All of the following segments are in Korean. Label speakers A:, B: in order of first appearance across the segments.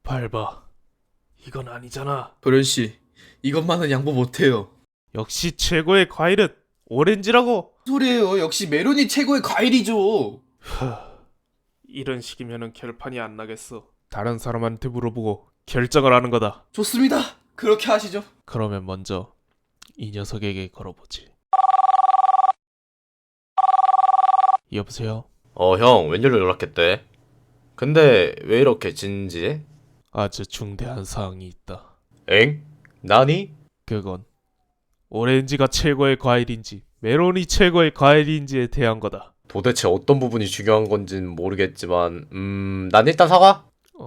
A: 밟아. 이건 아니잖아.
B: 도련씨, 이것만은 양보 못해요.
A: 역시 최고의 과일은 오렌지라고.
B: 소리예요. 역시 메론이 최고의 과일이죠.
A: 이런 식이면은 결판이 안 나겠어. 다른 사람한테 물어보고 결정을 하는 거다.
B: 좋습니다. 그렇게 하시죠.
A: 그러면 먼저 이 녀석에게 걸어보지. 여보세요?
C: 형, 웬일로 연락했대? 근데 왜 이렇게 진지해?
A: 아주 중대한 사항이 있다.
C: 엥? 나니?
A: 그건 오렌지가 최고의 과일인지 메론이 최고의 과일인지에 대한 거다.
C: 도대체 어떤 부분이 중요한 건진 모르겠지만, 난 일단 사과?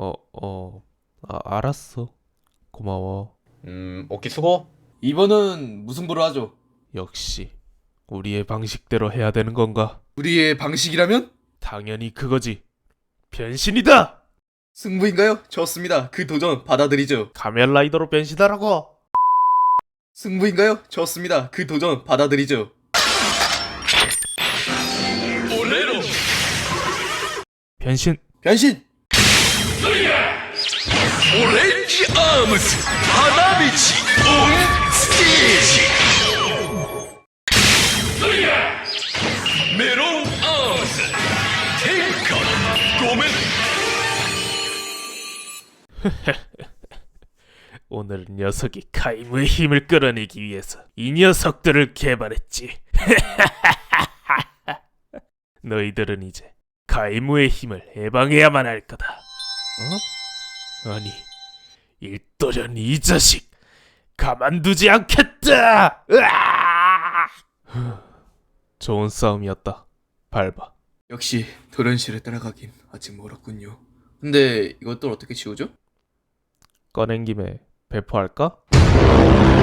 A: 알았어. 고마워.
C: 오키 수고?
B: 이번은 무승부로 하죠.
A: 역시 우리의 방식대로 해야 되는 건가?
B: 우리의 방식이라면?
A: 당연히 그거지. 변신이다!
B: 승부인가요? 좋습니다. 그 도전 받아들이죠.
A: 가면라이더로 변신하라고!
B: 승부인가요? 좋습니다. 그 도전 받아들이죠.
A: 변신!
B: 변신!
D: 오렌지 아무스 하나미치 온 스테이지 메론 아무스 텐카 고멘
A: 오늘 녀석이 카이무의 힘을 끌어내기 위해서 이 녀석들을 개발했지. 너희들은 이제 카이무의 힘을 해방해야만 할 거다. 아니, 일도련 이 자식 가만두지 않겠다. 으아! 좋은 싸움이었다. 밟아.
B: 역시 도련씨를 따라가긴 아직 멀었군요. 근데 이것들 어떻게 지우죠?
A: 꺼낸 김에 배포할까?